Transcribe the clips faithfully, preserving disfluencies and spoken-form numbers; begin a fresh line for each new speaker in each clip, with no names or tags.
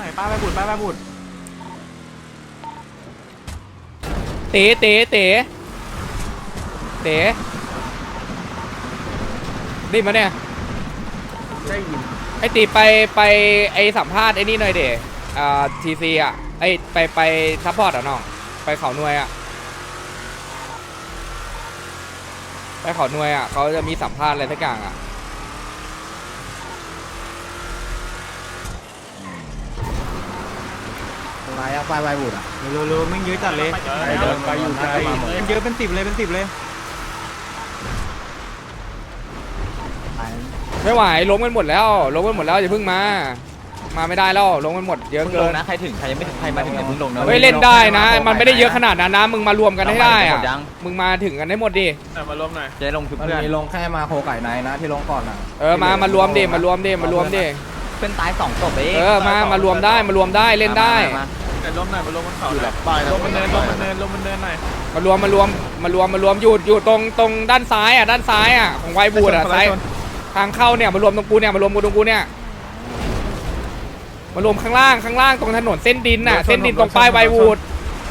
อยป้าไปบุดป้าไปบุด
เต๋เต๋เต๋เต๋ได้มาเนี่ยได้ยินไอตีไปไปไอสัมภาษณ์ไอนี่หน่อยเด๋อ่าทีซีอ่ะไอไปไปซัพพอร์ตอ่ะน้องไปเขาหน่วยอ่ะไปเขาหน่วยอ่ะเขาจะมีสัมภาษณ์อะไรสักอย่างอ่ะ
อะไรอะไฟไวบุดอะ
เร็วๆไม่เยอะจัดเลย
ไปอยู่ไกล
มันเยอะเป็นสิบเลยเป็นสิบเลย
ไม่ไหวล้มกันหมดแล้วล้มกันหมดแล้วอย่าเพิ่งมามาไม่ได้แล้วล้มกันหมดเยอะเกินนะใครถึงใครยังไม่ถึงใครมาถึงอย่าเพิ่งลงนะเฮ้ยเล่นได้นะมันไม่ได้เยอะขนาดนั้นนะมึงมารวมกันให้ได้อะมึงมาถึงกันให้หมดดิ
มารวมหน่อย
จะลงคือ
มัน
เพื่อน
มีลงแค่มาโคไก่ไนนะที่ลงก่อนอะ
เออมามารวมดิมารวมดิมารวมดิ
เพื่อนตายสองศพเอง
เออมามารวมได้มารวมได้เล่นได้
แต่ล้มหน่อยมารวมบนเขาอยู่แบบป้ายล้มมันเนินล้มมันเนินล้มมันเนินหน่อย
มารวมมารวมมารวมมารวมอยู่อยู่ตรงตรงด้านซ้ายอ่ะด้านซ้ายอ่ะของไวบูดอ่ะซ้ายทางเข้าเนี่ยมารวมตรงกูเนี่ยมารวมกูตรงกูเนี่ยมารวมข้างล่างข้างล่างตรงถนนเส้นดินน่ะเส้นดินตรงป้ายไวบูด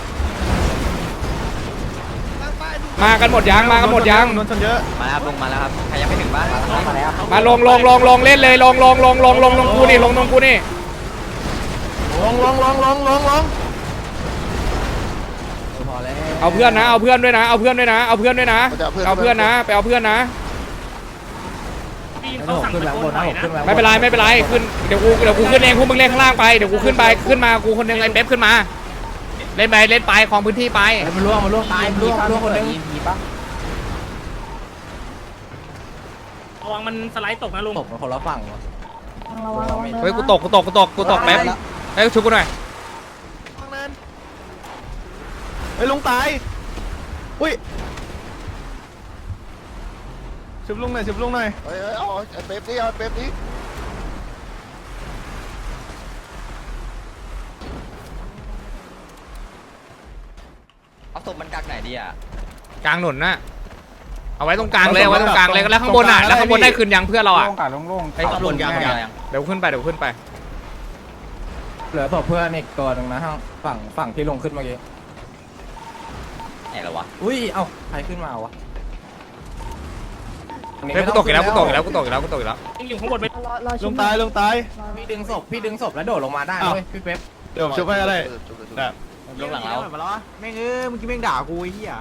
มากันหมดยังมากันหมดยัง
โดนชนเยอะ
มาแล้วลงมาแล้วครับใครยังไม่ถึงบ้าน
มาลงลงลงลงเล่นเลยลงลงลงลงลงลงกูนี่ลงลงกูนี่
ลงลงลงลงลงลง
พอแล้ว
เอาเพื่อนนะเอาเพื่อนด้วยนะเอาเพื่อนด้วยนะเอาเพื่อนด้วยนะเอาเพื่อนนะไปเอาเพื่อนนะ
ผมขึ้นแล้วบนนะผมขึ้นแล้ว
ไม่เป็นไรไม่เป็นไรขึ้นเดี๋ยวกูเดี๋ยวกูขึ้นเองพวกมึงเล่นข้างล่างไปเดี๋ยวกูขึ้นไปขึ้นมากูคนหนึงไอ้เป๊ปขึ้นมาเล่นไปเล่นไปของพื้นที่ไป
มันล่วงมันล่วงตายล่วงล่วงคนนึง
ระวังมันสไลด์ตกนะลุง
ตกมาคนละฝั่งวะ
เฮ้ยกูตกกูตกกูตกกูตกแป๊บเฮ้ยชุบกูหน่อย
ไอ้ลุงตายอุ้ยชุบลุงหน่อยชุบลุงหน่อย
เฮ้ยเอาเป๊ปนี่เอาเป๊ปนี่
เอาศพมันกักไหนดีอ่ะ
กลางหนุนนะเอาไว้ตรงกลางเลยเอาไว้ตรงกลางเลยแล้วข้างบนอ่ะแล้วข้างบนได้คืนยังเพื่อนเราอ่ะ
โล่งกัดโล่ง
ไอ้ข้างบนยังยัง
เดี๋ยวขึ้นไปเดี๋ยวขึ้นไป
เหลือศพเพื่อนอีกตัวหนึ่งนะข้างฝั่งฝั่งที่ลงขึ้นเมื่อกี้
ไหนแล้ววะ
อุ้ยเอ้าใครขึ้นมาวะ
เฮ้ยกูตกอีกแล้วกูตกอีกแล้วกูตกอีกแล้วกูตกอีกแล้ว
ยังอยู่ข้างบนไป
ลุงตายลุงตาย
พี่ดึงศพพี่ดึงศพแล้วโดดลงมาได้เว้ยพี่เป๊ป
เดี๋ยวผมชุบให้ก็ได้
ลงหลังเรา
มาแล้วแม่งเอ้ยเมื่อกี้แม่งด่ากูไอ้เหี้ย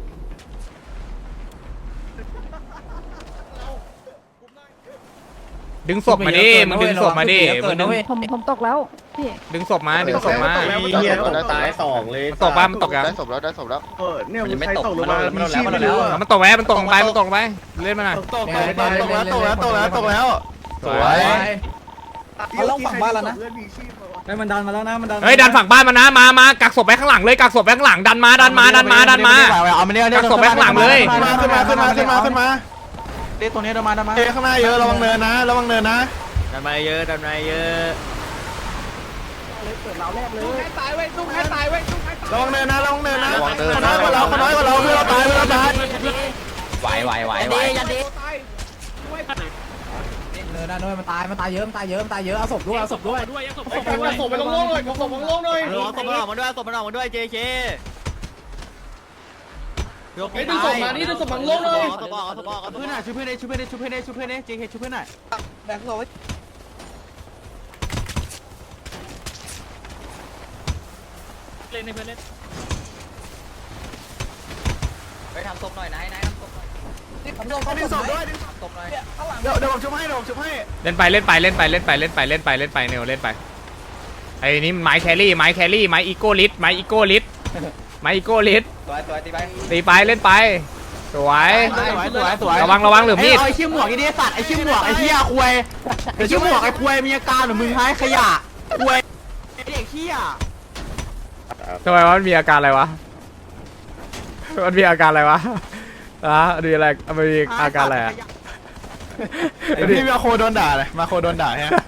ดึงศพมาดิมึงดึงศพมาดิมึงดึง
ผมผมตกแล้วพี่
ดึงศพมาดึงศพมา
เฮียตายสองเลย
มันตกบ้ามันตกยัง
ได้ศพแล้วได้ศพแล้ว
เออเนี่ย
มันยังไม่
ใคร
ตก
ตกล
มั
ง
น
มา
แล้วมัน
มี
แล้ว
ชีพ
มัน
ไม่
แล้ว
รู้อะ
มันตกไว้มันตกไปมันตกไปเล่นมาหน่อย
ตกตกตกตกแล้วตกแล้วตกแล้วตกแล้วสวย
เขาลงฝั่งบ้านแล้วนะ
ได้มันดันมาแล้วนะมันดัน
เฮ้ยดันฝั่งบ้านมานะมามากักศพไว้ข้างหลังเลยกักศพไว้ข้างหลังดันมาดันมาดันมาดันมา
เอามาเนี่ย
กักศพไว้ข้างหลังเลย
ขึ้นมาขึ้นมาขึ้นมาขึ้นมาขึ้นมา
เด็กตัวนี้เดินมาเดินมา
เอ้ข้างหน้าเยอะระวังเนินนะระวังเนินนะ
ดันมาเยอะดันมาเยอะ
ระวังเนินนะระวังเนินนะเขาน้อยกว่าเราเขาน้อยกว่าเราเพื่อนเราตายเพื่อนเราตาย
ไหวไหวไหวไหว
เดินได้ด้วยมันตายมันตายเยอะมันตายเยอะมันตายเยอะเอาศพด้วยเอาศพด้วย
ด้วยยังศพ
ส่งไปลงโลกเลยส่งไปลงโลกหน่อย
เอาศพมันออกมาด้วยศพมันออกมาด้วย เจ เค
ไอ้ดึงส่งมานี่ดึงส่งมาลงเลย
เอาศพออกเอาศพออกเอาศพออก
เพื่อนหน่อยช่วยเพื่อนช่วยเพื่อนช่วยเพื่อนช่วยเพื่อนเจเคช่วยเพื่อนหน่อย
แบกศพไว้
เล่นให้เพื่อนเล่น
ไปทำศพหน่อยนายนายทำศพหน่อย
ดึงศพด้วย
ศพหน่อย
เดี๋ยวเดี๋ยวผมช่วยให้เดี๋ยวผมช่วยให้
เล่นไปเล่นไปเล่นไปเล่นไปเล่นไปเล่นไปเล่นไปเนวเล่นไปไอ้นี่ไม้แครี่ไม้แครี่ไม้อีโก้ลิสไม้อีโก้ลิสไม้อีโก้ลิส
ตัวตัวตีไป
ตีไปเล่นไปสวย
สวยสวยสวย
ระวังระวังหรือมีด
ไอ้เชี่ยหมวกไอ้เนี่ยสัตว์ไอ้เชี่ยหมวกไอ้เชี่ยควยไอ้เชี่ยหมวกไอ้ควยมีอาการเหมือนมึงหายขยะควยไอ้เด็กเชี่ย
ทำไมวะมันมีอาการอะไรวะมันมีอาการอะไรวะอ่ะดีอะไรมันมีอาการอะไรอ่ะ
พี่มาโคโดนด่าเลยมาโคโดนด่าฮะ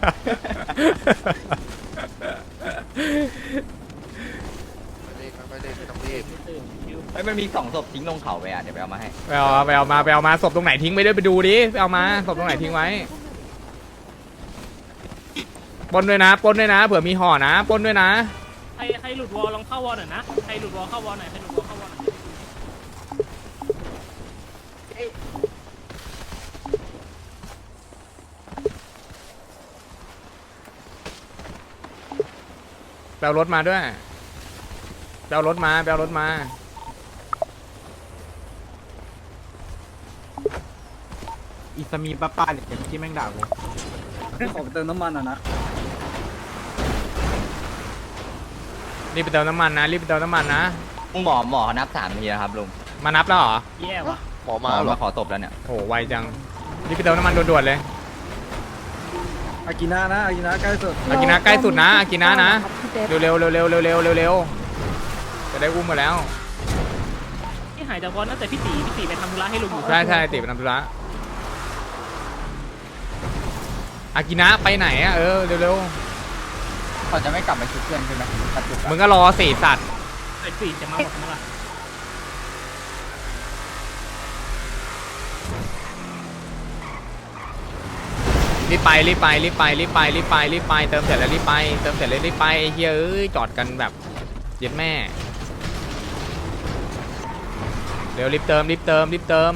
ไม่ได้ไม่ต้องรีบ
ไอ้มันมีสองศพทิ้งลงเขาไปอ่ะเดี๋ยวไปเอามาให้
ไปเอาไปเอามาไปเอามาศพตรงไหนทิ้งไปด้วยไปดูดิไปเอามาศพตรงไหนทิ้งไว้ปล้นด้วยนะปล้นด้วยนะเผื่อมีห่อนะปล้นด้วยนะ
ใครใครหลุดวอลลองเข้าวอลหน่อยนะใครหลุดวอลเข้าวอลหน่อยใครหลุดวอลเข้าวอลหน่อย
แปลรถมาด้วยแปลรถมาแปลรถมา
อิสมีป้าป้าเนี่ยที่แม่งด่ากู
ขอเติมน้ำมันอ่ะนะ
รีบไปเติมน้ำมันนะรีบไปเติมน้ำมันนะ
หมอหมอนับสามทีนะครับลุง
มานับแล้วเหรอ
แย่ว่ะ
หมอ
หม
มา
อ
เหรอ
มาขอตบแล้วเนี่ย
โหไวจังรีบไปเติมน้ำมันด่วนๆเลย
อากินานะอากินาใกล้สุด
อากินะใกล้สุดนะอากินะนะ
พี่เป๊ป
เร็วเร็วเร็วเร็วเร็วเร็วเร็วเร็วจะได้อุ้มมาแล้ว
ที่หายจากวอลตั้งแต่พี่ตีพี่ตีไปทำธุระให้ลุงอยู่
ใช่ใช่ติดไปทำธุระอากินะไปไหนอ่ะเออเร็วเร็ว
เขาจะไม่กลับมาชุดเพื่อนใช่ไหมตัดจุด
มึงก็รอสี่สัตว์
ไอ้ตีจะมาหมดทั้งหมด
รีบไปรีบไปรีบไปรีบไปรีบไปรีบไปเติมเสร็จแล้วรีบไปเติมเสร็จแล้วรีบไปไอ้เฮียเอ้ยจอดกันแบบเย็ดแม่เร็วรีบเติมรีบเติมรีบเติม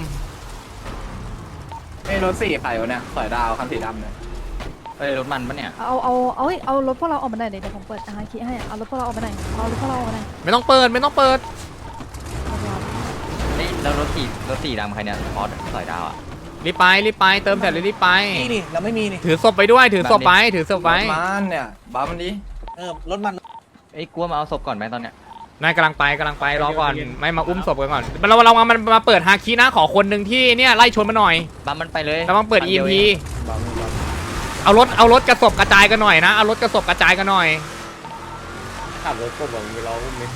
ไอ้รถสี่ใครวะเนี่ยสอยดาวคันสีดำเนี่ย
เอ้ยรถมันปะเนี่ย
เอาเอาเอาเอารถพวกเราออกมาหน่อยเดี๋ยวผมเปิดอาคีให้เอารถพวกเราออกมาหน่อยเอารถพวกเราออกมาหน่อย
ไม่ต้องเปิดไม่ต้องเปิด
เอาไปเอา
เฮ้ยแล้วรถสี่รถสี่ดำใครเนี่ยพอสสอยดาวอ่ะ
รีบไปรีบไปเติมเสร็จแล้วรีบไป
นี่นี่เราไม่มีนี่
ถือศพไปด้วยถือศพไปถือศพไป
มันเนี่ยบ้ามันดิเออรถมัน
เอ้ยกลัวมาเอาศพก่อนไหมตอนเนี้ย
นายกำลังไปกำลังไปรอก่อนไม่มาอุ้มศพกันก่อนเราเรามามันมาเปิดฮาคินะขอคนหนึ่งที่เนี่ยไล่ชนมาหน่อย
บัมมันไปเลย
แล้วมาเปิด
คัน
อี
ดี
เอ็
ยว
มพี
ง
เอารถเอารถกระสบกระจายกันหน่อยนะเอารถกระสบกระจายกันหน่อย
ขับรถกบแบบมีล้ออุ้มมิ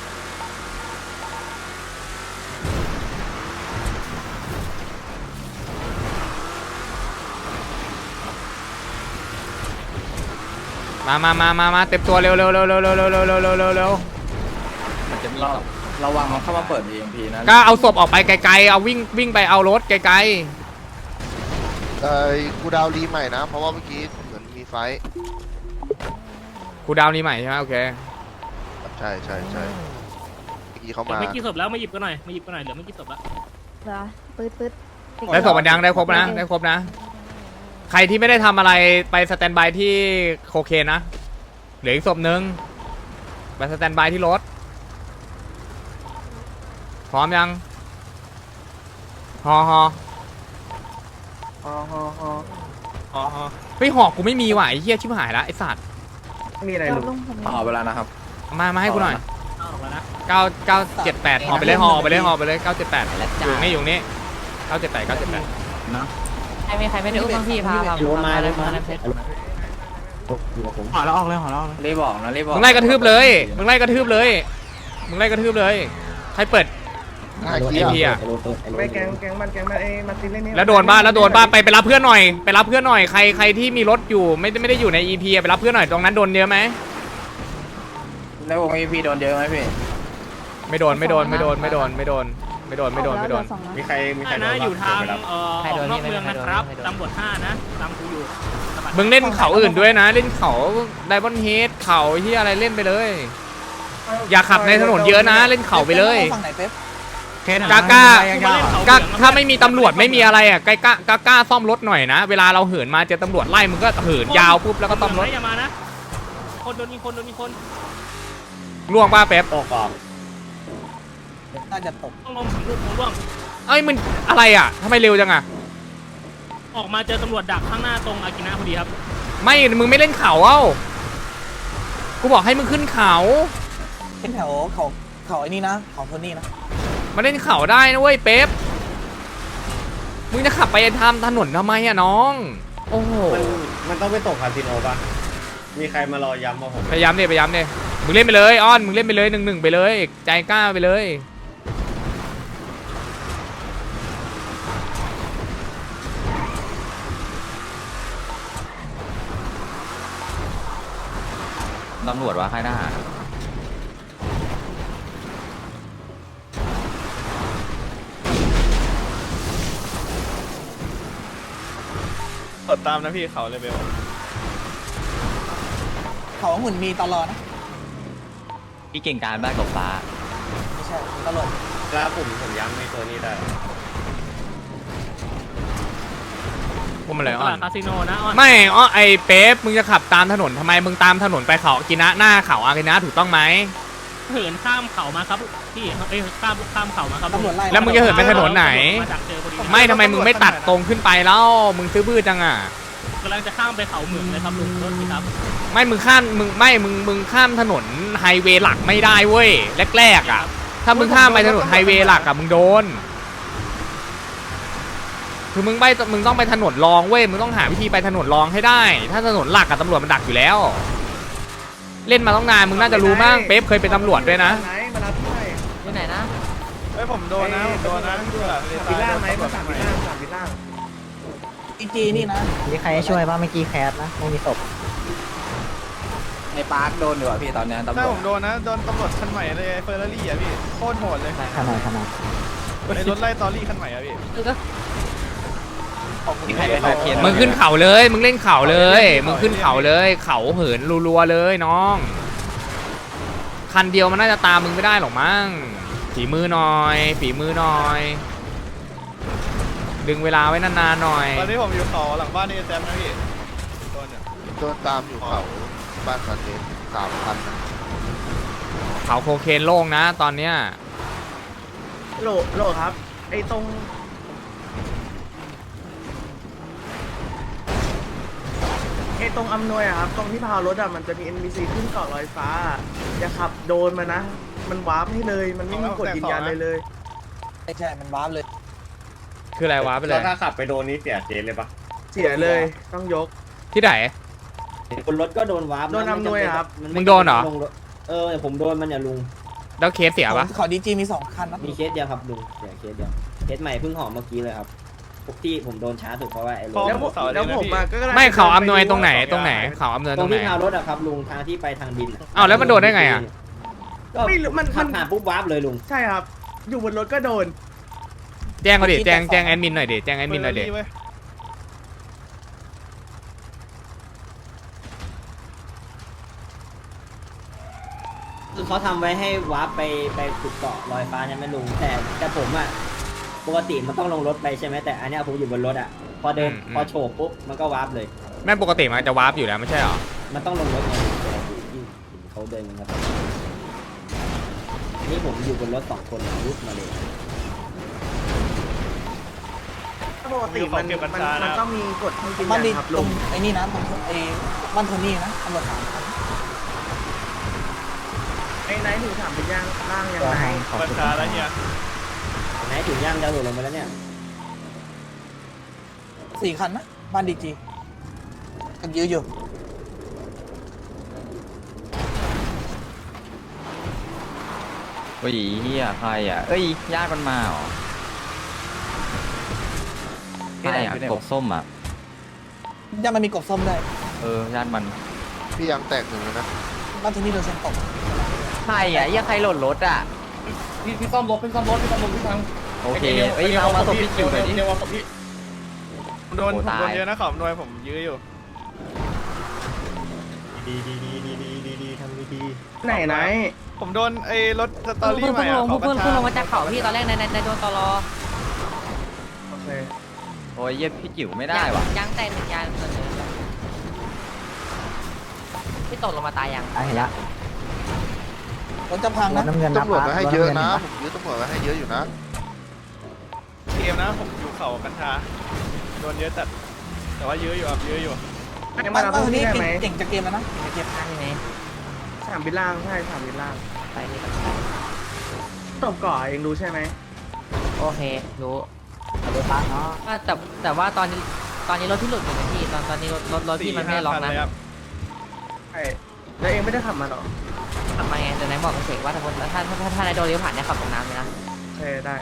มามามามามาเต็มตัวเร็วเร็วเร็วเร็วเร็วเร็วเร็วเร็วเร็วเร็วเร็ว
มันจะมี
เรา
ศพ
ระวังมันเข้ามาเปิด อี เอ็ม พี นะ
ก็เอาศพออกไปไกลๆเอาวิ่งวิ่งไปเอารถไกล
เอ้ยกูดาวรีใหม่นะ เพราะว่าเมื่อกี้เหมือนมีไฟท์
ๆกูดาวนี้ใหม่ใช่ไหมโอเค
ใช่ใช่ใช่เมื่อกี้เขา
เหลือ
มา
ไม่กี่ศพแล้วมาหยิบกันหน่อยมาหยิบกันหน่อยเหลือไม่กี่ศพแล้ว
เหรอปื๊ดปื๊ด
ได้ศพมันยังได้ครบนะได้ครบนะ ใครที่ไม่ได้ทำอะไรไปสแตนบายที่โคเคนนะเหลืออีกศพหนึ่งไปสแตนบายที่รถพร้อมยังฮอฮอ
อ๋ออ๋ออ๋ออ๋อ
เฮ้ยหอกกูไม่มีว่ะไอ้เหี้ยชิบหายละไอ้สัตว์
ไม่มีอะไร
เอา
ลุง
ลุงผมมี
ต่อเวลานะครับ
มามาให้กูหน่อย
เอาออกแล้วนะ
เก้าเก้าเจ็ดแปดหอไปเลยหอไปเลยหอไปเลยเก้าเจ็ดแปด
แล้ว
อ
จ้า
ยู่นี่อยู่นี่เก้าเจ็ดแปดเก้าเจ็ดแปด
ใครไม่ใครไม่ได้อุ้มบ้างพี่พาพา
โยนมาเลยมา
พาเพชร
ห่อแล้วออกเลยห่อแล้วออกเลย
รีบบอกนะรีบบอก
มึงไล่กระทืบเลยมึงไล่กระทืบเลยมึงไล่กระทืบเลยใครเปิด
ง่าย
ไอ
เกีย
พี
ร์
อะ
ไม่แกงแกงมันแกงมันเอ้มาตินเล่นนี่
แล้วโดนบ้านแล้วโดนบ้านไปไปรับเพื่อนหน่อยไปรับเพื่อนหน่อยใครใครที่มีรถอยู่ไม่ได้ไม่ได้อยู่ใน อี พี ไปรับเพื่อนหน่อยตรงนั้นโดนเยอะไหม
แล้ววง อี พี โดนเยอะไหมพี่
ไม่โดนไม่โดนไม่โดนไม่โดนไม่โดนไม่โดนไม่โดนไม่โดน
ออกแล้วเหลือสองแล้ว
มีใครมีใคร
ห้านะอยู่ทางเอ่อออกนอกเมืองนะครับตำรวจห้านะตามกูอยู่
มึงเล่นเขาอื่นด้วยนะ เล่นเขาไดมอนด์เฮดเขาที่อะไรเล่นไปเลย อย่าขับในถนนเยอะนะ เล่นเขาไปเลย
ฝั่งไหนเป๊ป
กล้ากล้า ก็ถ้าไม่มีตำรวจไม่มีอะไรอ่ะใกล้กล้ากล้ากล้าซ่อมรถหน่อยนะ เวลาเราเหินมาเจอตำรวจไล่มึงก็เหินยาวปุ๊บแล้วก็ซ่อมรถ
อย่ามานะคนโดนยิงคนโดนยิงคน
ล่วงป้าเป๊ป
ตกออก
น่าจะตก
ต้องลงถึงลูกผมร่วง
เอ้ยมึงอะไรอ่ะทำไมเร็วจังอ่ะ
ออกมาเจอตำรวจดักข้างหน้าตรงอากินะพอดีครับ
ไม่มึงไม่เล่นเขาเอ้ากูบอกให้มึงขึ้นเขา
เป็นแถวเขาเขาไอ้นี่นะของโทนี่นะ
มาเล่นเขาได้นะเว้ยเป๊ปมึงจะขับไปทำถนนทำไมอ่ะน้องโอ้โห
มันมันต้องไปตกคาสิโนป่ะมีใครมารอย้ำมาผม
พยายามดิพยายามดิมึงเล่นไปเลยอ้อนมึงเล่นไปเลยหนึ่งหนึ่งไปเลยใจกล้าไปเลย
ตำรวจวะค่ายทหาร
กดตามนะพี่เขาเลยเบล
เขาหมุนมีตลอดนะ
พี่เก่งการบ้านกับฟ้า
ไม่ใช่ตลอด
แล้วผมผมย้ำในตัวนี้ได้
พวกมันเลย
ต
อ่อ
ลาน ดคาสิโนนะอ่อน
ไม่อ๋อไอเป๊ปมึงจะขับตามถนนทำไมมึงตามถนนไปเขากินะหน้าเขาอากินะถูกต้องไหม
เหินข้ามเขามาครับพี่เอ้ยข้ามข้ามเขามาครับ
ตำรวจไล่
แล้วมึงจะเหินไปถนนไหน
มาดักเจอพอดี
ไม่ทำไมมึงไม่ตัดตรงขึ้นไปแล้วมึงซื้อบื้อจังอ่ะ
กำลังจะข้ามไปเขาเหมืองเลยครับลุงรถพี่ครับ
ไม่มึงข้ามมึงไม่มึงมึงข้ามถนนไฮเวย์หลักไม่ได้เว้ยแรกๆอ่ะถ้ามึงข้ามไปถนนไฮเวย์หลักอ่ะมึงโดนคือมึงไปมึงต้องไปถนนรองเว้ยมึงต้องหาวิธีไปถนนรองให้ได้ ถ้าถนนหลักกับตำรวจมันดักอยู่แล้ว เล่นมาต้องนานมึงน่าจะรู้มั้งเป๊ปเคยเป็นตำรวจด้วยนะ
อยู่ไหนนะ
เฮ้ยผมโดนนะผมโดนนะวิลล่าไหมมาสามวิลล่าสามวิลล่า
อีจีนี่นะ
มีใครช่วยบ้างเมื่อกี้แคสนะไม่มีศพ
ในปาร์คโดนอยู่อ่ะพี่ตอนนี้ตำร
ถ้าว
จ
ผมโดนนะโดนตำรวจคันใหม่เลยเฟอร์รารี่อ่ะพี่โคตรโหดเลย
ขนาดขนาด
ไอ้รถไล่ตอรี่คันใหม่อ่ะพี่
มีใครไปขอเพียน
มึงขึ้นเขาเลยมึงเล่นเขาเลยมึงขึ้นเขาเลยเขาเหินรัวๆเลยน้องคันเดียวมันน่าจะตามมึงไม่ได้หรอกมั้งฝีมือหน่อยฝีมือหน่อย ดึงเวลาไว้นานๆหน่อย
ตอนนี้ผมอยู่เขาหลังบ้านนี่แซมนะพี่โดนเนี่ย
โดนตามอยู่เขาบ้านคาเทนสามพันนะ
เขาโคเคนโล่งนะตอนเนี้ย
โหลโหลครับไอ้ตรงไอ้ตรงอำนวยอะครับตรงที่พาวรถอะมันจะมี เอ็น พี ซี ขึ้นเกาะลอยฟ้าอย่าขับโดนมานะ มันวาร์ปให้เลยมันไม่มีกฎยืนยันเลยเลย
ไม่ใช่มันวาร์ปเลย
คืออะไรวะไปเลย
ถ้าขับไปโดนนี้เสียเจนเลยปะ
เสียเลยต้องยก
ที่ไหน
บนรถก็โดนวาร์ป
โดนอำนวยอะครับ
มึงโดนเหรอ
เออผมโดนมันเนี่ยลุง
แล้วเคสเสียปะ
ขอดีจีมีสองคันนะ
มีเคสเดียวครับลุงเดี๋ยวเคสเดียวเคสใหม่เพิ่งหอมเมื่อกี้เลยครับพวกที่ผมโดนช้าสุดเพราะว่าไอ้รถ
แล้วผมแล้วผมอะก็กำลัง
ไม่เขาอำนวยตรงไหนตรงไหนเขาอำนวย
ต
ต
ร
รง งไหน
ที่พาวรถอะครับลุงทางที่ไปทางดินอะ
อ้าวแล้วมันโดนได้ไงอะ
ก็
ไม่รู้มัน
ขั
มั
บ
น
ผ่านปุ๊บวาร์ปเลยลุง
ใช่ครับ อยู่บนรถก็โดน
แจ้งเขาดิแจ้งแจ้งแอดมินหน่อยดิแจ้งแอดมินหน่อยดิ
เว้ย
คือเขาทำไว้ให้วาร์ปไปไปขุดเกาะลอยฟ้าใช่ไหมลุงแต่แต่ผมอะปกติมันต้องลงรถไปใช่ไหมแต่อันเนี้ยผมอยู่บนรถอะพอเดินพอโฉบปุ๊บมันก็วาร์ปเลย
แม่งปกติมันจะวาร์ปอยู่แล้วไม่ใช่หรอ
มันต้องลงรถไงเวลาที่ที่เขาเดินกันครับนี่ผมอยู่บนรถสองคนรุดมาเลย
ปกติมันมันมันต้องมีกฎให้ยืน
บ้าน
ยั
ดี
นครับ
ต
ลุ
รง
ง
ไอ้นี่นะตรงไอ้บ้านโทนี่นะตำรวจสามคัน
ไอ้ไนท์ถึงถามเป็นย่างร่างยังไง
บัญชาแล้วเนี่ย
ไหนถึงย่างจะหลุดลงไปแล้วเนี่ย
สี่คันนะบ้านดีจีกันเยอะอยู่
โอ้ยเฮียใครอ่ะเอ้ยญาติมันมาเหรอใครอ่ะกบส้มอ่ะ
ยังมันมีกบส้มได้วย
เออญาติมัน
พี่ยังแตกหนึ่งแล้วนะ
บ้านโทนี่โดนเซ็นตก
ใครอ่ะยังใครหล่นรถอ่ะ
พี่พี่ซ่อมรถพี่ซ่อมรถพี่ซ่อมรถพี่ทาง
โอเคเอ้ยมามาส่งพี่คิวหน่อยดิ
เดี๋ยวมาส่งพี่ผมโดน
โอ้
ผม
ตาย
โดนเยอะนะขอบหน่วยผมยื้ออยู่
ดีดีดีดีดีดีดีทำดีดี
ไหนไหน
ผมโดนไอ้รถสตอรี่
เพิ่ง
ใหม่
เพิ่งล
อะ
ง
เขา
เพิ่ง
บัญ
เพิ่ง
ชา
ลงมาจากเขาพี่ตอนแรกในในในโดนตลอ
โอเค
โอ้ยเย็บพี่จิ๋วไม่ได้ว่ะ
ยังแต่หนึ่งยางส่วนเดิมพี่ตกลงมาตายยังตายละ
รถจะพังนะ
ตำรวจมาให้เยอะนะผมยื้อตำรวจมาให้เยอะอยู่นะ
เกมนะผมอยู่เขากัญชาโดนเยอะจัดแต่ว่ายื้ออยู่ครับยื้ออยู่
ไอ้
บ้า
มาน เรา
บ้าน
พว
โท
ก
นี่
นี้ได้ไหม
เก่งจะเกมแล้วนะ
เก็บข้างนี้
สามบิลล่างใช่สามบิลล่าง
ไปนี่
ตบก่อเองรู้ใช่ไหม
โอเครู้รถพังเนาะแต่แต่ว่าตอนนี้ตอนนี้รถที่หลุดอยู่นะพี่ตอนตอนนี้รถรถรถที่มันไม่ได้ล็อกนะ
สี่ห้าคัเลยครับ
ใช่แล้วเองไม่ได้ขับมาหรอ
ทำไมไงแต่ไหนบอกกับเสกว่าถ้าถ้าถ้าถ้าถ้าในโดนเลี้ยวผ่านเนี่ยขับตรงน้ำเลยนะ
ใช่ได้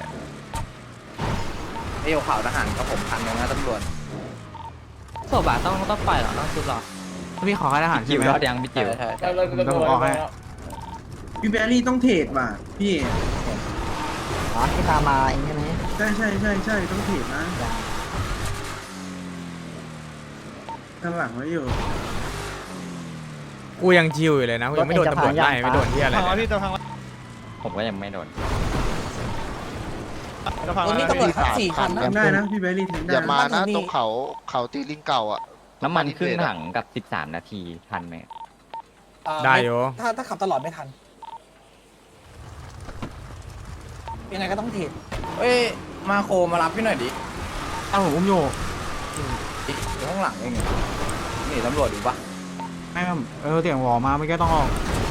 ไอ้ข่าวทหารกับผมคันนึงนะตำรวจ
โซบะต้องต้องปล่อยหรอต้องซุบหรอ
พี่ขอให้ทหาร
จิ๋วรอดยังพี่จิ๋ว
ใช่
ได้เลยได้เลย
พี่แบรี่ต้องเทรดว่ะพี่
อ๋อที่ตามมาเองใช่ไหม
ใช่ใช่ใช่ใช่ต้องเทรดนะข้างหลังไว้อยู่
กูยังชิวอยู่เลยนะกูยังไม่โดนตำรวจไล่ไม่โดนที่อะไร
พังแล้ว
เลย
พี่จะพังแล้ว
ผมก็ยังไม่โดน
จะพังแล้วนะพี่
สี่คัน
ได้นะพี่เบลลี่ถึงได้
อย่ามานะตรงเขาเขาตีลิงเก่าอ่ะ
น้ำมันขึ้นถังกับสิบสามนาทีทันไหม
ได้โย
ถ้าถ้าขับตลอดไม่ทันยังไงก็ต้องเทรดเอ้ยมาโคมารับพี่หน่อยดิอ้าวผมอุ้มอยู่อยู่ข้างหลังเองนี่ตำรวจอยู่ปะไม่เออเสียงหวอมาไม่ก็ต้องออก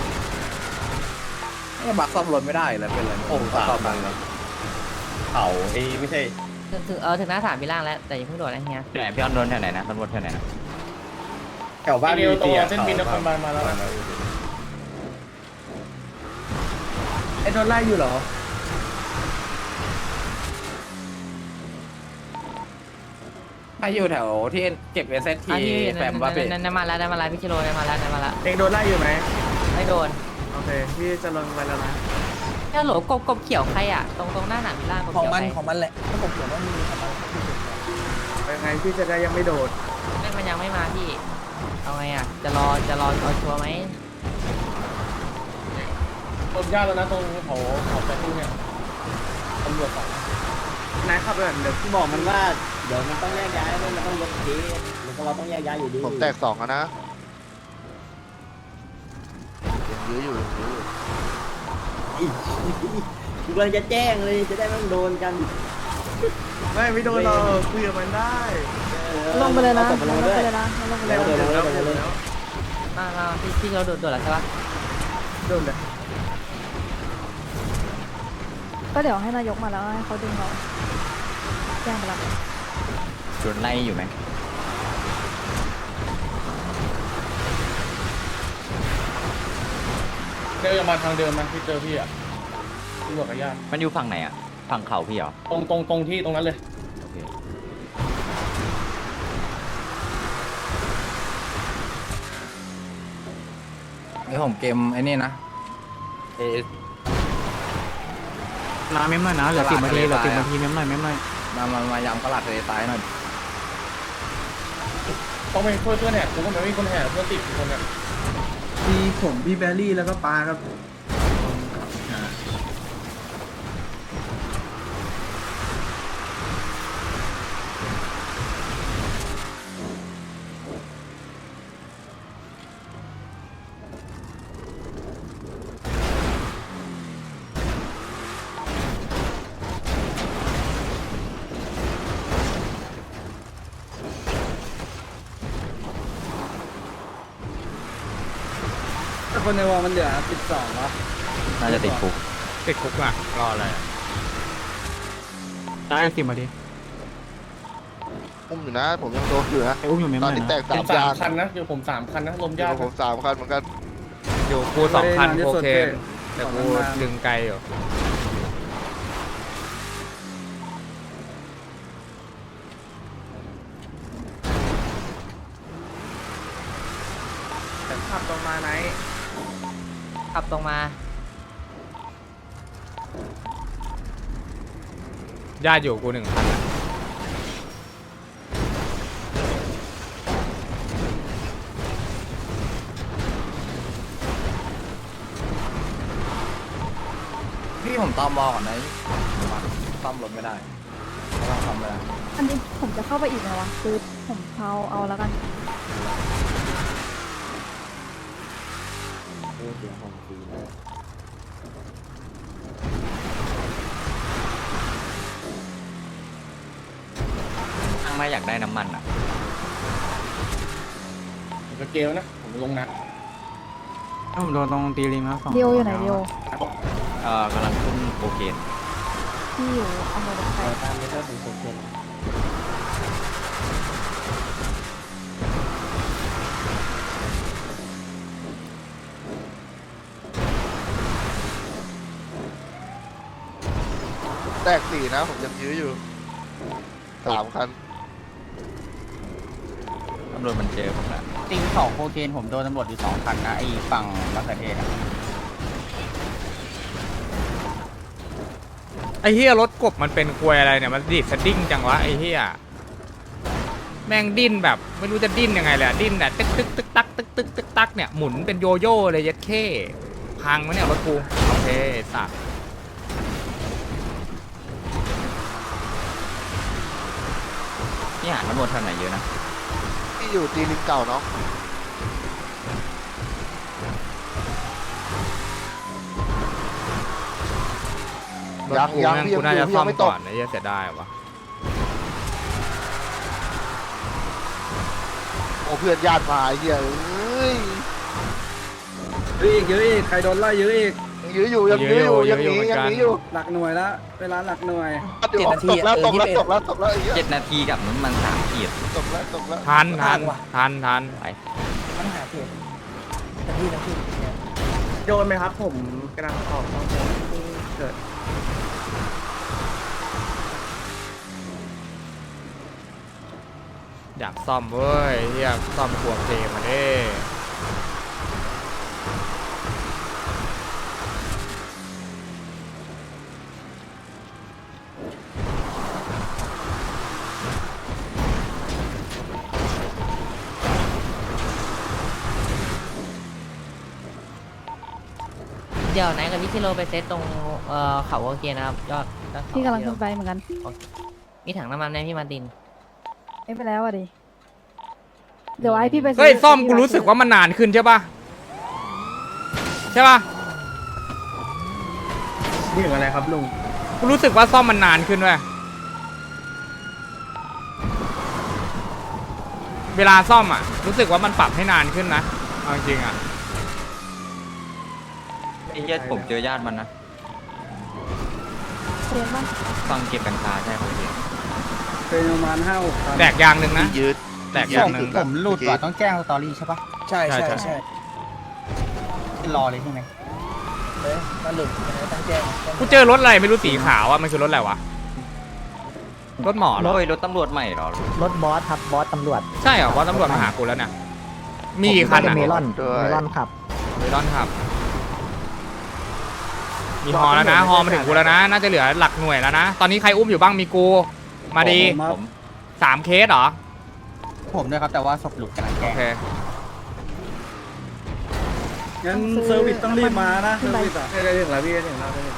ไอ้บักซ่อมรถไม่ได้เลยเป็นไรผมสามบังแล้วเขาไอ้ไม่ใช่
ถึงถึงเออถึงหน้าสามมีล่างแล้วแต่ยังเพิ่งโดดนะเฮีย
ไหนพี่ออนโดนแถวไหนนะตำรวจแถวไหนนะ
แถวบ้าน
เดียวตัวเส้นบินนครบาลมาแล้ว
ไอ้โดนไล่อยู่เหรอ
ถ้าอยู่แถวที่เก็บเอสเอสที
อ่ะพี่
แปมว่าเป็น
นั่นนั่นมาแล้วนั่นมาแล้วพี่กิโลนั่นมาแล้วนั่นมาแล้ว
เองโดนไล่อยู่ไหม
ไม่โดน
โอเคพี่จะลงไปแล้วนะ
แค่โหลกบกบเขียวใครอ่ะตรงตรงหน้าหนามมีล่างกบ
ของ
เขียว
มัน
ใคร
ของมันแหละถ้าผมเขียนว่ามีของมัน
ยังไงพี่จะได้ยังไม่โดด
ไม่มันยังไม่มาพี่เอาไงอ่ะจะรอจะรอเอาชัวร์ไหม
ผมยากแล้วนะตรงเขาเขาแต่ตู้เนี่ยตำรวจสอง
นายขับแบบเดี๋ยว
ที่บอกมันว่าเดี๋ยวมันต้องแยกย้ายมันต้องยกทีมันก็เราต้องแยกย้ายอยู่ดี
ผมแตกสองอะนะยังยื้ออยู่ยังยื้ออยู่
กูกำลังจะแจ้งเลยจะได้ไม่ต้องโดนกัน
ไม่ไม่โดนเราคุยกับมันได้
ลงไปเลยนะ
อาศพ
ล
มาง
ไป
ด้วย
เลยนะลงไปเล
แล้
ยว
โดนแล้ว
แล้ว
โดน
โดน
แล้
แล้ว ว
มามาพี่พี่เราโดดโดดแล้วใช่ปะ
โดนเลย
ก็เดี๋ยวให้นายกมาแล้วให้เขาดึงเราแจ้งไปแล้ว
โดนไล่อยู่ไหม
เจอมาทางเดิมนะที่เจอพี่อ่ะตำรวจกับญาติ
มันอยู่ฝั่งไหนอ่ะฝั่งเขาพี่เหรอ
ตรงตรงตรงที่ตรงนั้นเลย
โอเค
นี่ผมเกมไอ้นี่นะเอน้ำเม้มหน่อยนะเหลือสิบนาทีเหลือสิบนาทีเม้มหน่อยเม้มหน่อยมามามายำกระหลัดทะเลทรายหน่อย
ต้องไปช่วยเพื่อนแหกกูก็ไม่มีคนแหกเพื่อนติดคนเนี่ย
มีผมพี่เบลลี่แล้วก็ปาครับ
คนในวอลมันเหลือสิบสองวะ
น่าจะติดคุก
ติดคุกอ่ะรออะไรอะ
ได้สิบนาที
อุ้มอยู่นะ ผมยังโดนอยู่นะ
ไอ้อุ้มอยู่เม้ม
ต
ห
อน
น่อย
นี้
นะ
แตก
ผ
สาม
มสาย
าม น
คันนะเดี๋ยวผมสามคันนะลม
เดี๋ย
ญาว ติ
ผมสามคันเหมือนกัน
อยู่กูสองพันโอเคแต่กูดึงไกลอยู่
ขับตรงมาไหน
ขับตรงมา
ญาติอยู่กูหนึ่งพันอะ
พี่ผมตอมอก่อนนะซ่อมรถไม่ได้ไม่ต้องซ่อมเลย
อันนี้ผมจะเข้าไปอีกไหมวะคือผมเผาเอาแล้วกัน
ทางมาอยากได้น้ำมันอ่ะ
ผมจะเกลนะผมลงนะ
ผมโดนตรงตีลิงแล้วสอง
เดียวอยู่ไหนเดียว
เอ่อกำลังขึ้นโอเคน
ที่อยู่อำเภอบันไทย
ตามเมเตอร์ถึงหกเซน
แตกสี่นะ ผมยังยื้ออยู่สามคัน
ตำรวจมันเจอผมละ
ตีสองโคเคนผมโดนตำรวจอยู่สองคันนะไอ้ฝั่งมะเขือเทศอะ
ไอ้เฮียรถกบมันเป็นควยอะไรเนี่ยมันดีดสดิ้งจังวะไอ้เฮียแม่งดิ้นแบบไม่รู้จะดิ้นยังไงเลยอะดิ้นเนี่ยตึกตึกตึกตักตึกตึกตึกตักเนี่ยหมุนเป็นโยโย่เลยยัดเข้พังไหมเนี่ยรถกูโอเคสัตว์
นี่หาตำรวจแถวไหนเยอะนะ
ที่อยู่ตีลิงเก่าเนาะ
รถกูแม่งกูน่าจะซ่อมก่อนนะเหี้ยเสียดายวะ
โอ้เพื่อนญาติมาไอ้เหี้ยเอ้ย
เยอะอีกเยอะอีกใครโดนไล่เยอะอีก
ยังยื้ออยู่ยังยื้ออยู่ยังหนียังหนีอยู่
หลักหน่วยละเวลาหลักหน่วย
เดี๋ยวตกแล้วตกแล้วตกแล้วตกแล้วไอ้เหี้ย
เจ็ดนาทีกับน้ำมันสามขีด
ตกแล้วตกแล้ว
ทันทันทันทัน
ไป
ปัญหาเขตแต่ที่นะพี่
โดนไหมครับ ผมกำลังออกต้องเกิด
อยากซ่อมเว้ยเฮียซ่อมหัวเพลมาเด้
เดี๋ยวไหนกับพี่ชิโร่ไปเซตตรงเอ่อเขาโอเคนะครับยอดยอดเขา
พี่กำลังขึ้นไปเหมือนกัน
มีถังน้ำมันไหมพี่มาร์ติน
ไม่ไปแล้วอ่ะดิเดี๋ยวไอพี่ไปซื้
เฮ้ยซ่อมกูรู้สึกว่ามันนานขึ้นใช่ปะใช่ปะ
นี่ถึงอะไรครับลุง
กูรู้สึกว่าซ่อมมันนานขึ้นเว้ยเวลาซ่อมอ่ะรู้สึกว่ามันปรับให้นานขึ้นนะเอาจริงๆอ่ะ
ไอ้เหี้ยผมเจอญาติมันนะ
เรียนบ้าง
ฟังเก็บกัญชาใช่เขาเอง
เป็นประมาณห้าหกพัน
แตกยางหนึ่งนะ
ยืด
แตกอย่างหนึ่ง
ผมหลุดว่ะต้อง
แจ้งสตอรี่ใช่ปะใช่
ใช่
ใช่
ใช่
ใช่รอเลยใช่ไหมเฮ้ยมันหลุดต้องแจ้ง
กูเจอรถอะไรไม่รู้สีขาวอ่ะมันคือรถอะไรวะรถหมอเหรอ
โอ้ยรถตำรวจใหม่เหรอ
รถบอสครับบอสตำรวจ
ใช่เหรอเพราะตำรวจมาหากูแล้วเนี่ยมีกี่คันอ่ะ
เมลอน
ด้วย
เมลอนขับ
เมลอนครับมีฮอแล้วนะฮอมาถึงกูแล้วนะน่าจะเหลือหลักหน่วยแล้วนะตอนนี้ใครอุ้มอยู่บ้างมีกูมาดี
ผม
สามเคสเหรอ
ผมด้วยครับแต่ว่าศพหลุดกำลัง
โอ
แก้
เค
งั้นเซอร์วิสต้องรีบมานะเซอร์วิสอ่ะ
ได้ถึงแล้วพี่ได้ถึงแล้วได้ถึง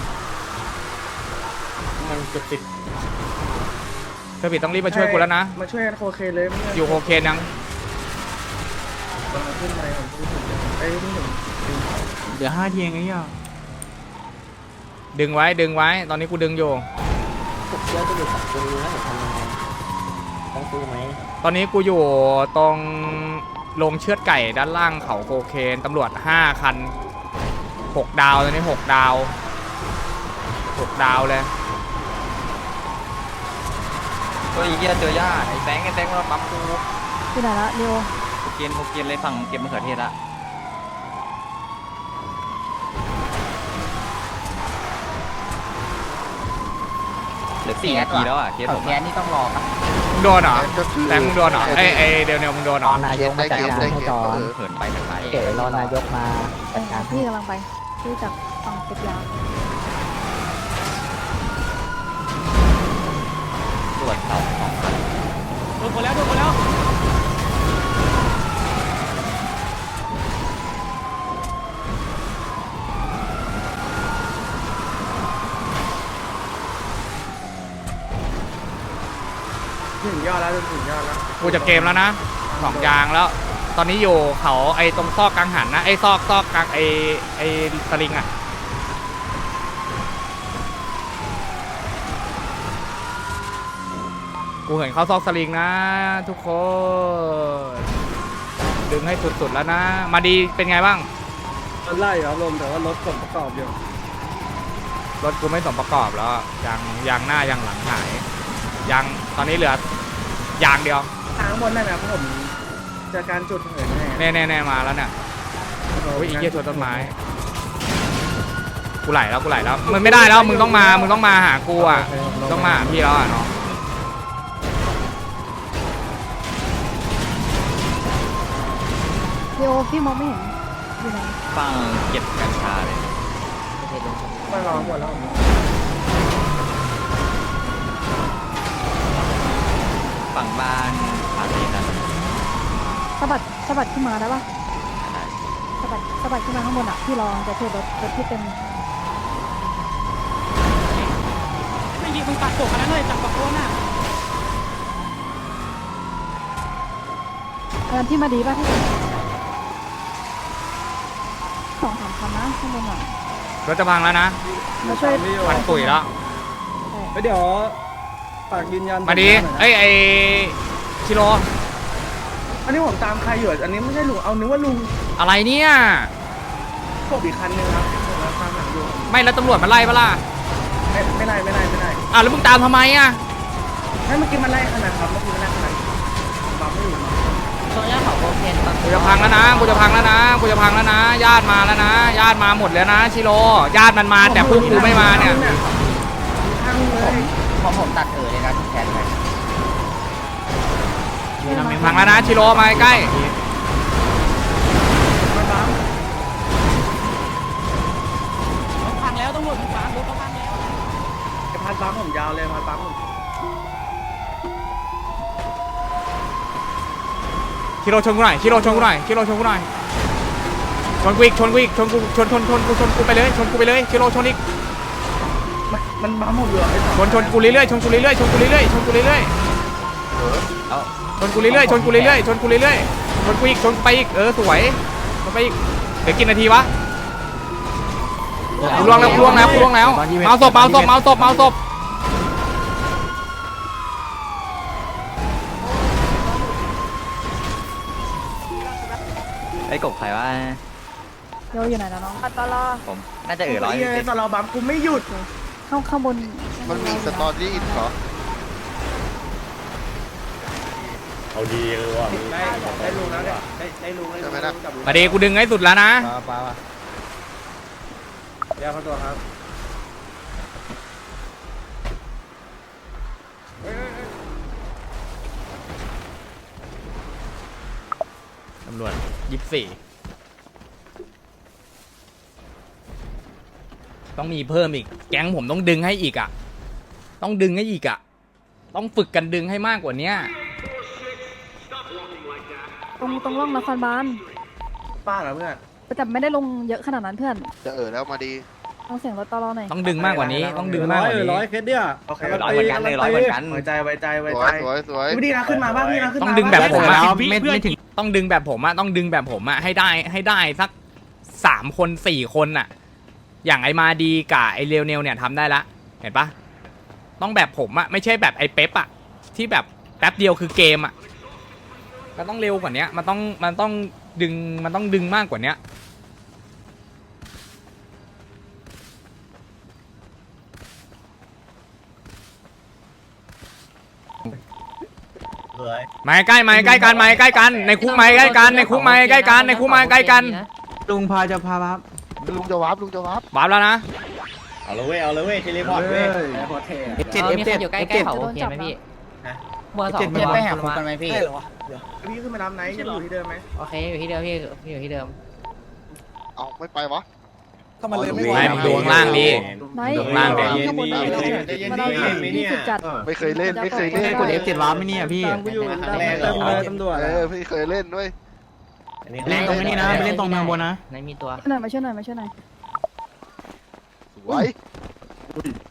มันเกือบติด
เธอผิดต้องรีบมาช่วยกูแล้วนะ
มาช่วยกันโคเคนเลย
อยู่โอเคนยัง
ขึ้นไปผมขึ้นถึงไอ้ยนี่ถึง
เดี๋ยวห้าทีเองไอ้เหี้ย
ดึงไว้ดึงไว้ ตอนนี้กูดึงอยู่
ผมเชื่อจะอยู่กับตรงนี้แล้วผมทำยังไงต้องสู้ไหม
ตอนนี้กูอยู่ตรงโรงเชือดไก่ด้านล่างเขาโคเคนตำรวจห้าคันหกดาวตอนนี้หกดาวหกดาวเลย
เฮ้ยไอ้เหี้ยเจอญาติไอ้แบงค์ไอ้แบงค์มาปั๊มกู
ที่ไหนละเรียว
โอเกนโอเกนเลยฝั่งเก็บมะเขือเทศละเหลือสี่นาทีแล้วอ่ะเคสผม
แกนี่ต้องรอปะ
มึงโดนเหรอ
ก็คือ
แต่มึงโดนเหรอไอ้ไอ้เดี๋ยวเนี่ยมึงโดนเหรอ
เกมได้เกมได้เกมเออ
เหินไปทางไหน
เก๋รอนายกมา
เออพี่กำลังไปพี่จากฝั่งเก็บยา
ตรวจเขาของ
โดนคนแล้วโดนคนแล้ว
ถึงยอดแล้วถึงยอดแล้ว
กูจะเกมแล้วนะสองยางแล้ว ตอนนี้อยู่เขาไอ้ตรงซอกกลางหันนะไอ้ซอกซอกกลางไอ้ไอ้สลิงอ่ะกูเห็นเขาซอกสลิงนะ ทุกคนดึงให้สุดๆแล้วนะ มาดีเป็นไงบ้าง
รถไล่ครับลมแต่ว่ารถส่งประกอบอยู่
รถกูไม่สมประกอบแล้วยางยางหน้ายางหลังหายยางตอนนี้เหลือยางเดียว
ทางบนนั่นนะผมจากการจุดเหินแน่
แน่แน่ๆมาแล้วเนี่ยโอ้ยอีกเหี้ยชนต้นไม้กูไหลแล้วกูไหลแล้วมันไม่ได้แล้วมึงต้องมามึงต้องมาหากูอ่ะต้องมาหาพี่แล้วอ่ะเนาะ
เรียวพี่มองไม่เห็นอยู่ไหน
ฟังเก็บกัญชาเลย
มารอหมดแล้ว
ฟังฝั่งบ้านฝั่งนี้นะ
สะบัดสะบัดขึ้นมาได้ปะสะบัดสะบัดขึ้นมาข้างบนอ่ะพี่รอจะเทรดรถรถที่เป็น
ไม่ยิงมึงปัดโกกันนั้นเลยจับปักโคนอ่ะ
เงินที่มาดีป่ะพี่สองสามคันนะข้างบนอ่ะ
รถจะพังแล้วนะ
มาช่วย
มันปุ๋ยแล้ว
เดี๋ยวฝากยืนยัน
มาดีเอ้ยไอชิโร่
อันนี้ผมตามใครอยู่อันนี้ไม่ใช่ลุงเอานึกว่าลุง
อะไรเนี่ย
พวกอีกคันนึงครับผมตามหลังอยู่
ไม่แล้วตำรวจมาไล่ปะล่ะ
ไม่ไม่ได้ไม่ได้ไม่ได้
อ่ะแล้วมึงตามทำไมอ่ะ
ให้เมื่อกี้มันไล่ขนาดครับเมื่อกี้มันไล่ขนาดบัมไม่อยู่
โซนย่าเขาโอเคปะ
กูจะพังแล้วนะกูจะพังแล้วนะกูจะพังแล้วนะญาติมาแล้วนะญาติมาหมดแล้วนะชิโร่ญาติมันมาแต่พวกกูไม่มาเนี่ย
ทั้งเลย
พอผมตัดเออเลยนะแทนไป
พังแล้วนะชิโร่มาใกล้
มาบัม
รถพังแล้วต้องหมดพังรถเขาพังแล้ว
ไอ้พันบัมผมยาวเลยพันบัมผม
ชิโร่ชนกูหน่อยชิโร่ชนกูหน่อยชิโร่ชนกูหน่อยชนกูอีกชนกูอีกชนกูชนชนชนกูชนกูไปเลยชนกูไปเลยชิโร่ชนอีก
มันมันบัมผมอยู่ไอ้สอง
ชนชนกูเรื่อยๆชนกูเรื่อยๆชนกูเรื่อยๆชนกูเรื่อยๆชนกูเรื่อยๆชนกูเรื่อยๆชนกูเรื่อยๆชนกูอีกชนไปอีกเออสวยชนไปอีกเดี๋ยวกินนาทีวะกูล่วงแล้วกูล่วงแล้วกูล่วงแล้วเมาศพเมาศพเมาศพเมาศพ
ไอ้กบใครวะ
โยอยู่ไหนแล้วน้องตลอ
ผมน่าจะเออร้อย
ไอ้ตลอดบัมกูไม่หยุด
ข้างข้างบน
มันมีสตอรี่เหรอ
ได้ได้ลุงแล้วเนี่ยได้ได้ลุงได้
ใช่ไหมนะ
มาดีกูดึงให้สุดแล้วนะ
ปลาปลาปลา
เดี๋ยวเขาตัวครับ
ตำรวจยี่สิบสี่ต้องมีเพิ่มอีกแก๊งผมต้องดึงให้อีกอ่ะต้องดึงให้อีกอ่ะต้องฝึกกันดึงให้มากกว่านี้
ตรงตรงร่องนครบาล
ป้าเหรอเพื่อน
แต่ไม่ได้ลงเยอะขนาดนั้นเพื่อน
จะเออแล้วมาดี
ต้องเสียงรถตลอหน่อย
ต้องดึงมากกว่านี้ต้องดึงมากกว่านี้
ร้อยเคสเนี่ย
โอเค
ร้อยเหมือนกันเลยร้อยเหมือนกัน
ไว้ใจไว้ใจ
ส
ไว้
ว
ใจ
ยสวยสวย
พี่ดีนะขึ้นมาบ้างพี่นะขึ้นมา
ต้องดึงแบบผมอะ
ไม่ไม่ถึง
ต้องดึงแบบผมอะต้องดึงแบบผมอะให้ได้ให้ได้สักสามคนสี่คนอะอย่างไอมาดีกับไอเรวเนลเนี่ยทำได้ละเห็นปะต้องแบบผมอะไม่ใช่แบบไอเป๊ปอะที่แบบแป๊บเดียวคือเกมอะมันต้องเร็วกว่านี้มันต้องมันต้องดึงมันต้องดึงมากกว่านี้มาใกล้มาใกล้กันมาใกล้กันในคุกมาใกล้กันในคุกมาใกล้กันในคุกมาใกล้กัน
ลุงพาจะพาครับ
ลุงจะวาร์ปลุงจะวาร์ป
บาปแล้วนะ
เอาเลยเว้ยเอาเลยเว้ยเทเลพอร์ตเว้ยเทเลพอร์ตเท
เออมีใครอยู่ใกล้ๆเขาโอเคไหมพี่เบอร์สอง
เจ็ดไม่ไปหาคุกกันไหมพี่
พี่ขึ้นมารับไหนยังอยู่ที่เดิมไหม
โอเคอยู่ที่เดิมพี่พี่อยู่ที่เดิม
เอาไม่ไปวะ
ก็มันเลยไม่
ไม่มึงดูข้างล่างดิ
ไม่
ลงล่างเดี๋ยว
ข้างบนนี่มันเอาที่สุดจัด
ไม่เคยเล่นไม่เคยเล่น
กด เอฟ เจ็ดวาร์ปไม่เนี่ยพี่
กูอยู่
ครั้งแรกเต็มเลยตำรวจ
เออไม่เคยเล่นด้วย
เล่นตรงนี้นะไปเล่นตรงเมืองบนนะ
ไหนมีตัว
ช่วยหน่อยมาช่วยหน่อยมาช่วยหน่อย
สวย